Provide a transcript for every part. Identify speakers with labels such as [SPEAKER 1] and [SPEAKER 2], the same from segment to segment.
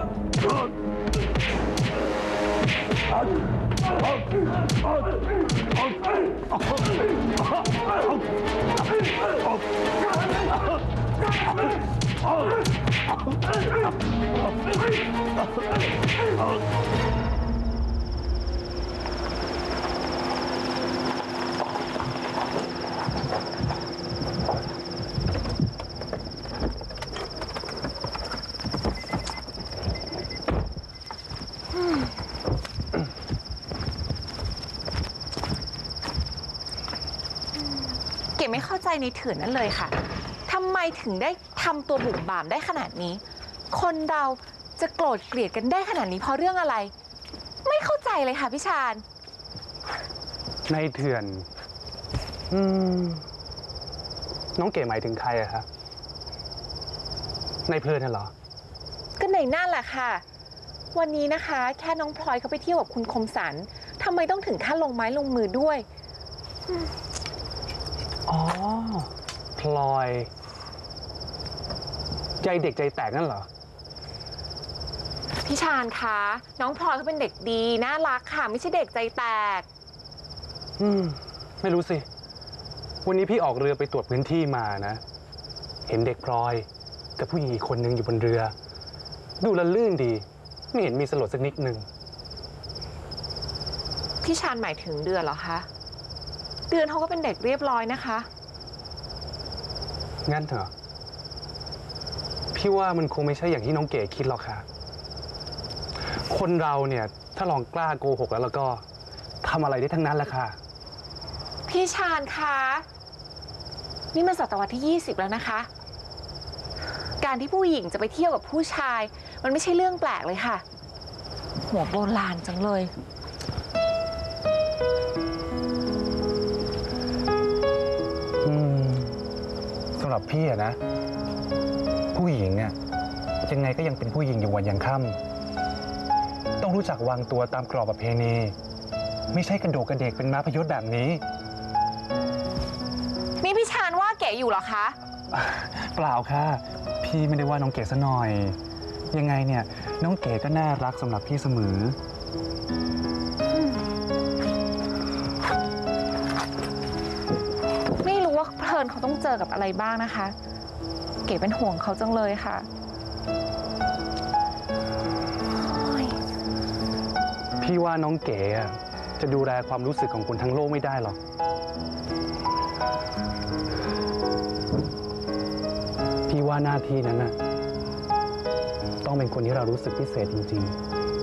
[SPEAKER 1] เก๋ไม่เข้าใจในเถื่อนนั่นเลยค่ะทำไมถึงได้ทำตัวบุ่มบ่ามได้ขนาดนี้คนเราจะโกรธเกลียดกันได้ขนาดนี้เพราะเรื่องอะไรไม่เข้าใจเลยค่ะพี่ชาญ
[SPEAKER 2] ในเถื่อนน้องเก๋หมายถึงใครอะครับในเพลินน่ะเหรอ
[SPEAKER 1] ก็ในนั่นแหละค่ะวันนี้นะคะแค่น้องพลอยเขาไปเที่ยวกับคุณคมสันทำไมต้องถึงขั้นลงไม้ลงมือด้วย
[SPEAKER 2] อ๋อพลอยใจเด็กใจแตกนั่นเหรอ
[SPEAKER 1] พี่ชาญคะน้องพลอยเขาเป็นเด็กดีน่ารักค่ะไม่ใช่เด็กใจแตก
[SPEAKER 2] ไม่รู้สิวันนี้พี่ออกเรือไปตรวจพื้นที่มานะเห็นเด็กพลอยกับผู้หญิงอีกคนนึงอยู่บนเรือดูละลื่นดีไม่เห็นมีสลดสักนิดนึง
[SPEAKER 1] พี่ชาญหมายถึงเดือนเหรอคะเดือนเขาก็เป็นเด็กเรียบร้อยนะคะ
[SPEAKER 2] งั้นเหรอพี่ว่ามันคงไม่ใช่อย่างที่น้องเก๋คิดหรอกค่ะคนเราเนี่ยถ้าลองกล้าโกหกแล้วก็ทำอะไรได้ทั้งนั้นแหละค่ะ
[SPEAKER 1] พี่ชาญคะนี่มันศตวรรษที่20แล้วนะคะการที่ผู้หญิงจะไปเที่ยวกับผู้ชายมันไม่ใช่เรื่องแปลกเลยค่ะหัวโบราณจังเลย
[SPEAKER 2] สำหรับพี่อะนะผู้หญิงอะยังไงก็ยังเป็นผู้หญิงอยู่วันยังค่ำต้องรู้จักวางตัวตามกรอบประเพณีไม่ใช่กระโดดกระเดกเป็นม้าพยศแบบนี้
[SPEAKER 1] นี่พี่ชาญว่าเก๋อยู่เหรอคะ
[SPEAKER 2] เปล่าค่ะพี่ไม่ได้ว่าน้องเก๋ซะหน่อยยังไงเนี่ยน้องเก๋ก็น่ารักสำหรับพี่เสมอ
[SPEAKER 1] ไม่รู้ว่าเพลินเขาต้องเจอกับอะไรบ้างนะคะเก๋เป็นห่วงเขาจังเลยค่ะ
[SPEAKER 2] พี่ว่าน้องเก๋จะดูแลความรู้สึกของคนทั้งโลกไม่ได้หรอกพี่ว่าหน้าที่นั้นน่ะต้องเป็นคนที่เรารู้สึกพิเศษจริง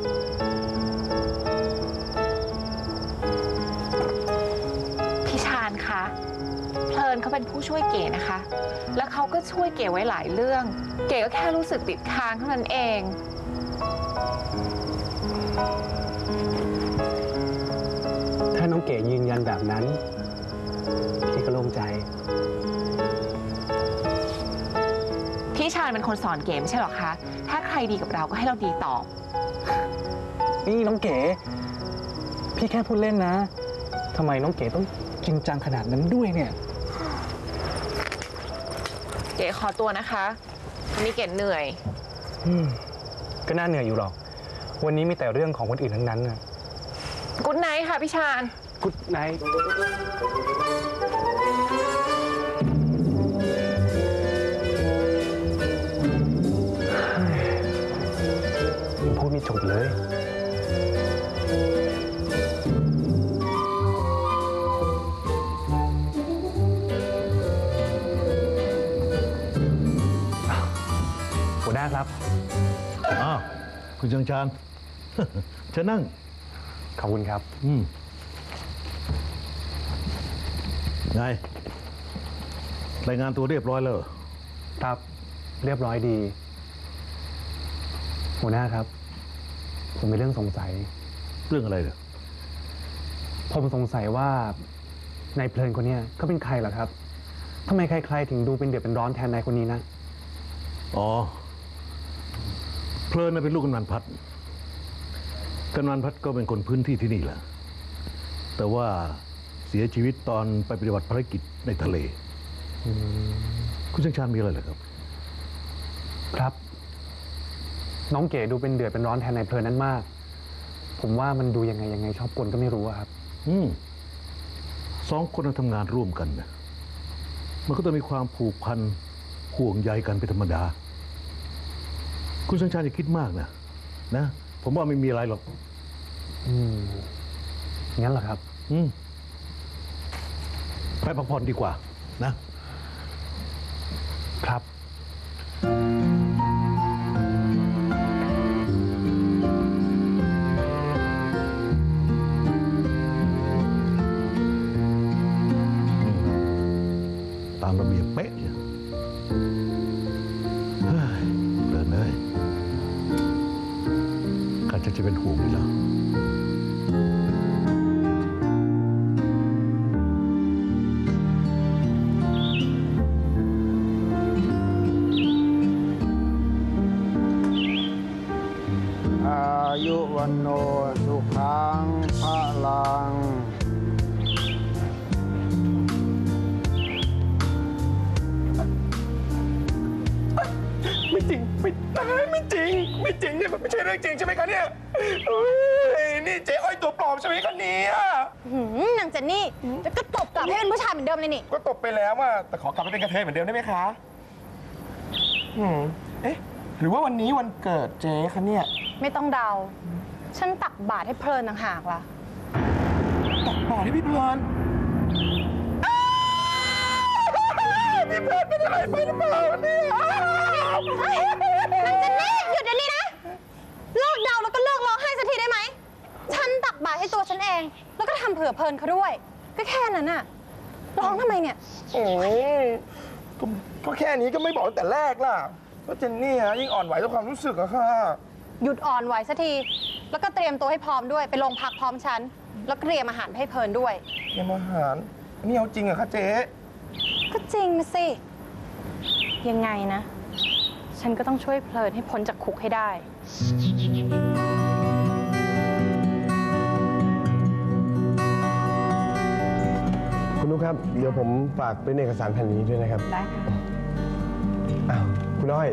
[SPEAKER 1] ๆพี่ชาญคะเพลินเขาเป็นผู้ช่วยเก๋นะคะแล้วเขาก็ช่วยเก๋ไว้หลายเรื่องเก๋ก็แค่รู้สึกติดค้างเท่านั้นเอง
[SPEAKER 2] ถ้าน้องเก๋ยืนยันแบบนั้นพี่ก็โล่งใจ
[SPEAKER 1] พี่ชาญเป็นคนสอนเก๋ไม่ใช่หรอคะถ้าใครดีกับเราก็ให้เราดีตอบ
[SPEAKER 2] นี่น้องเก๋พี่แค่พูดเล่นนะทำไมน้องเก๋ต้องจริงจังขนาดนั้นด้วยเนี่ย
[SPEAKER 1] เก๋ขอตัวนะคะวันนี้เก๋เหนื่อย
[SPEAKER 2] ก็น่าเหนื่อยอยู่หรอกวันนี้มีแต่เรื่องของคนอื่นทั้งนั้นนะ
[SPEAKER 1] กุ๊ดไนท์ค่ะพี่ชาญ
[SPEAKER 2] กุ๊ดไนท์พูดไม่ถูกเลยหัวหน้าครับ
[SPEAKER 3] คุณชังชานเชิญนั่ง
[SPEAKER 2] ขอบคุณครับ
[SPEAKER 3] ไงรายงานตัวเรียบร้อยแล้ว
[SPEAKER 2] ครับเรียบร้อยดีหัวหน้าครับผมมีเรื่องสงสัย
[SPEAKER 3] เรื่องอะไรเหรอ
[SPEAKER 2] ผมสงสัยว่านายเพลินคนนี้เขาเป็นใครเหรอครับทำไมใครๆถึงดูเป็นเดือดเป็นร้อนแทนนายคนนี้นะ
[SPEAKER 3] อ๋อเพลินเป็นลูกกำนันพัฒน์กำนันพัฒน์ก็เป็นคนพื้นที่ที่นี่แหละแต่ว่าเสียชีวิตตอนไปปฏิบัติภารกิจในทะเลคุณชังชานมีอะไรเหรอครับ
[SPEAKER 2] ครับน้องเก๋ดูเป็นเดือดเป็นร้อนแทนนายเพลินนั้นมาก ผมว่ามันดูยังไงชอบกลก็ไม่รู้อะครับ
[SPEAKER 3] สองคนทำงานร่วมกันนะมันก็ต้องมีความผูกพันห่วงใยกันเป็นธรรมดา คุณสัญชัยอย่าคิดมากนะ ผมว่าไม่มีอะไรหรอก
[SPEAKER 2] งั้นเหรอครับ
[SPEAKER 3] ไปพักผ่อนดีกว่านะ
[SPEAKER 2] ครับ
[SPEAKER 3] ตามระเบียบเป๊ะเลยเฮ้ยเดินเลยข้าจะเป็นห่วงอยู่แล้ว
[SPEAKER 4] อายุวันโนสุขังพลัง
[SPEAKER 5] ไม่จริงเนี่ยมันไม่ใช่เรื่องจริงใช่ไหมคะเนี่ยเฮ้ยนี่เจ๊อ้อยตัวปลอมใช่ไหมคะเนี่ย
[SPEAKER 6] นางเจนนี่จะก็ตบกลับให้เป็นผู้ชายเหมือนเดิมเลยนี่
[SPEAKER 5] ก็ตบไปแล้วอะแต่ขอกลับไปเป็นกระเทยเหมือนเดิมได้ไหมคะเอ๊ะหรือว่าวันนี้วันเกิดเจ๊คะเนี่ย
[SPEAKER 6] ไม่ต้องเดา ฉันตักบาตรให้เพลินต่างหากล่ะ
[SPEAKER 5] ตักบาตรให้พี่เพลินพี่เพลินเป็นอะไรไปหรือเปล่าเนี่ย
[SPEAKER 6] นางเจนนี่หยุดเดี๋ยวนี้นะ เลิกเดาแล้วก็เลิกร้องไห้สักทีได้ไหม ฉันตักบาตรให้ตัวฉันเอง แล้วก็ทำเผื่อเพลินเขาด้วย ก็แค่นั้นน่ะ ร้องทำไมเนี่ย
[SPEAKER 5] โอ้ยก็แค่นี้ก็ไม่บอกตั้งแต่แรกล่ะก็เจนนี่ฮะยิ่งอ่อนไหวต่อความรู้สึกอะค่ะ
[SPEAKER 6] หยุดอ่อนไหวสักที แล้วก็เตรียมตัวให้พร้อมด้วย ไปโรงพักพร้อมฉัน แล้วก็เตรียมอาหารให้เพลินด้วย
[SPEAKER 5] เตรียมอาหารนี่เอาจริงเหรอะคะเจ๊
[SPEAKER 6] ก็จริงนะสิ ยังไงนะ ฉันก็ต้องช่วยเพลินให้พ้นจากคุกให้ได้
[SPEAKER 7] คุณนุ๊กครับ เดี๋ยวผมฝากเป็นเอกสารแผ่นนี้ด้วยนะครับ
[SPEAKER 6] ได้ค่ะ
[SPEAKER 7] อ้าว คุณอ้อย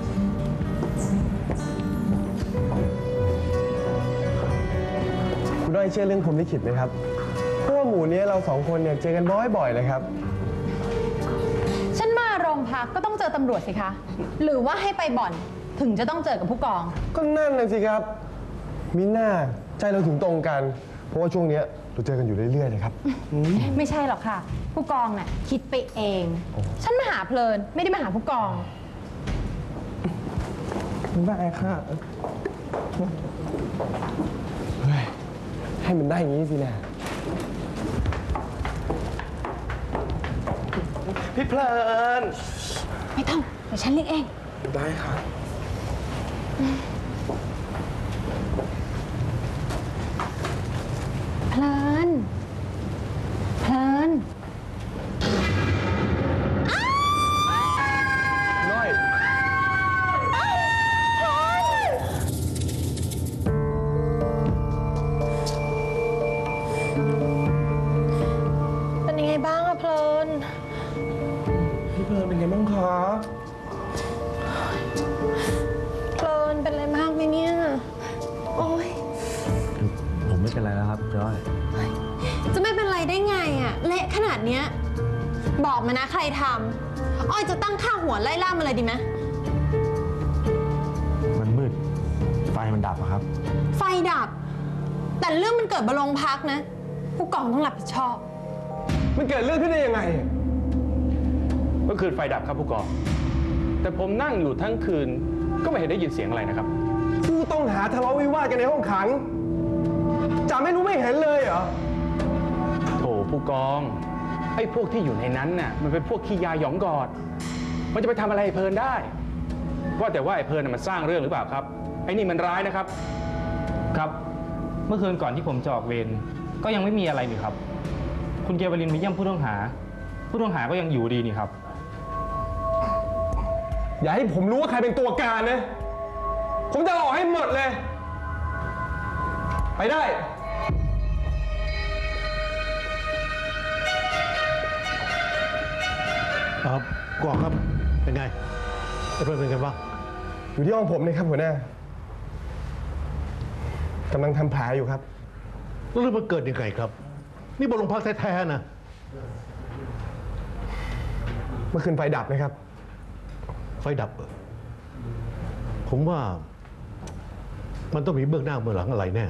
[SPEAKER 7] คุณอ้อยเชื่อเรื่องพรหมลิขิตไหมครับ เพราะว่าหมู่นี้เราสองคนเนี่ยเจอกันบ่อยๆเลยครับ
[SPEAKER 8] ฉันมาโรงพักก็ต้องเจอตำรวจสิคะ หรือว่าให้ไปบ่อนถึงจะต้องเจอกับผู้กอง
[SPEAKER 7] ก็นั่นน่ะสิครับ มิน่าใจเราถึงตรงกัน เพราะว่าช่วงเนี้ยเราเจอกันอยู่เรื่อยๆเลยครับ
[SPEAKER 8] ไม่ใช่หรอกค่ะ ผู้กองน่ะคิดไปเอง ฉันมาหาเพลินไม่ได้มาหาผู้กอง
[SPEAKER 7] ได้ค่ะ เฮ้ย ให้มันได้อย่างนี้สินะ
[SPEAKER 5] พี่เพลิน
[SPEAKER 8] ไม่ต้องเดี๋ยวฉันเรียกเอง
[SPEAKER 5] ได้ค่ะ
[SPEAKER 8] เพลิน เพลิน
[SPEAKER 7] น้อย
[SPEAKER 6] เป็นยังไงบ้างอะเพลิน
[SPEAKER 5] พี่เพลินเป็นไงบ้างคะ
[SPEAKER 6] เพลินเป็นอะไรมากไหมเนี่ย โอ๊ย
[SPEAKER 2] ผมไม่เป็นไรแล้วครับจอย
[SPEAKER 6] จะไม่เป็นไรได้ไงอะเละขนาดเนี้ย บอกมานะใครทำอ้อยจะตั้งค่าหัวไล่ล่ามาเลยดีไหม
[SPEAKER 2] มันมืด ไฟมันดับอะครับ
[SPEAKER 6] ไฟดับ แต่เรื่องมันเกิดบนโรงพักนะ ผู้กองต้องรับผิดชอบ
[SPEAKER 7] มันเกิดเรื่องขึ้นได้ยังไง
[SPEAKER 9] เมื่อคืนไฟดับครับผู้กอง แต่ผมนั่งอยู่ทั้งคืนก็ไม่เห็นได้ยินเสียงอะไรนะครับ
[SPEAKER 7] ผู้ต้องหาทะเลาะวิวาทกันในห้องขังจ่าไม่รู้ไม่เห็นเลยเหรอ
[SPEAKER 9] โถผู้กอง ไอ้พวกที่อยู่ในนั้นน่ะมันเป็นพวกขี้ยาหยองกอด มันจะไปทำอะไรไอ้เพลินได้ ว่าแต่ว่าไอ้เพลินน่ะมันสร้างเรื่องหรือเปล่าครับ ไอ้นี่มันร้ายนะครับ
[SPEAKER 10] ครับ เมื่อคืนก่อนที่ผมจะออกเวรก็ยังไม่มีอะไรนี่ครับ คุณเกวลินมาเยี่ยมผู้ต้องหา ผู้ต้องหาก็ยังอยู่ดีนี่ครับ
[SPEAKER 7] อย่าให้ผมรู้ว่าใครเป็นตัวการนะ ผมจะออกให้หมดเลย ไปได้
[SPEAKER 3] กองครับ เป็นไงไอ้เพื่อนเป็นไงบ้าง
[SPEAKER 7] อยู่ที่ห้องผมเลยครับหัวหน้า
[SPEAKER 5] กำลังทำแผลอยู่ครับ
[SPEAKER 3] แล้วเรื่องมันเกิดยังไงครับ นี่บนโรงพักแท้ๆนะ
[SPEAKER 5] เมื่อคืนไฟดับนะครับ
[SPEAKER 3] ไฟดับเหรอผมว่า มันต้องมีเบื้องหน้าเบื้องหลังอะไรแน่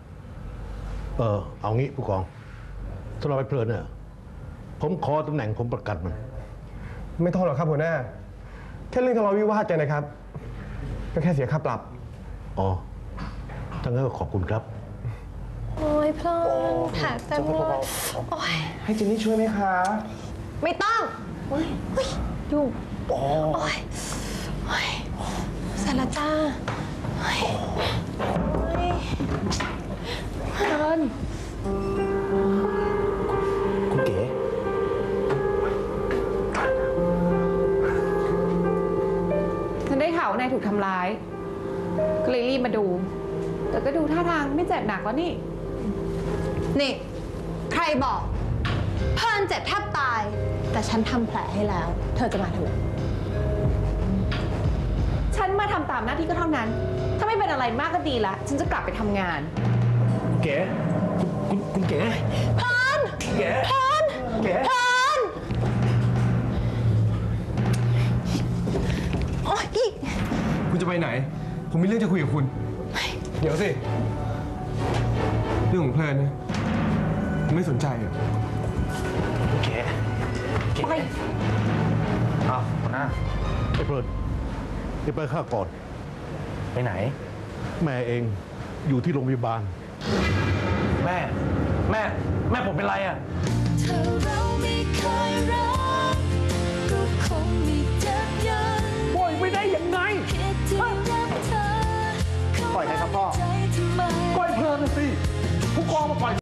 [SPEAKER 3] เอางี้ผู้กองสำหรับไอ้เพลินเนี่ยผมขอตำแหน่งผมประกันมัน
[SPEAKER 5] ไม่ต้องหรอกครับหัวหน้า แค่เรื่องทะเลาะวิวาทกันนะครับ ก็แค่เสียค่าปรับ
[SPEAKER 3] อ๋อทั้างนั้นก็ขอบคุณครับ
[SPEAKER 6] โอ้ยเพลินแผลเต็มเลยโอ้ย
[SPEAKER 5] ให้เจนนี่ช่วยไหมคะ
[SPEAKER 6] ไม่ต้องเฮ้ยยุ่งโอ้ยสารจ้าเฮ้ย
[SPEAKER 1] เพลิน
[SPEAKER 5] คุณเก๋
[SPEAKER 1] ฉันได้ข่าวว่านายถูกทำร้าย ก็เลยรีบมาดู แต่ก็ดูท่าทางไม่เจ็บหนักแล้วนี่
[SPEAKER 6] นี่ ใครบอกเพลินเจ็บแทบตาย แต่ฉันทำแผลให้แล้ว เธอจะมาทำไม
[SPEAKER 1] ฉันมาทำตามหน้าที่ก็เท่านั้น ถ้าไม่เป็นอะไรมากก็ดีละ ฉันจะกลับไปทำงาน
[SPEAKER 5] เก๋คุณเก๋
[SPEAKER 6] เพลิน
[SPEAKER 5] เก๋
[SPEAKER 6] เพลิน
[SPEAKER 5] เก๋
[SPEAKER 6] เพลินโอ๊ย
[SPEAKER 5] คุณจะไปไหน ผมมีเรื่องจะคุยกับคุณ เดี๋ยวสิ เรื่องของเพลินนะผมไม่สนใจอ่ะเก๋
[SPEAKER 1] ไป
[SPEAKER 2] อ้าวหัวหน้า
[SPEAKER 3] ไอ้เพลินนี่ไปข้าก่อน
[SPEAKER 2] ไปไหน
[SPEAKER 3] แม่เองอยู่ที่โรงพยาบาล
[SPEAKER 2] แม่ผมเป็นไรอ่ะ
[SPEAKER 11] ถ้าเราไม่เคยรักก็คงไม่เจ็บยัน
[SPEAKER 3] ปล่อยไม่ได้ยังไง
[SPEAKER 11] เพียงที่รักเธอ
[SPEAKER 2] ปล่อยใครครับพ่อ
[SPEAKER 11] ใจทำไม
[SPEAKER 3] ปล่อยเพลินสิ ผู้กองมาปล่อย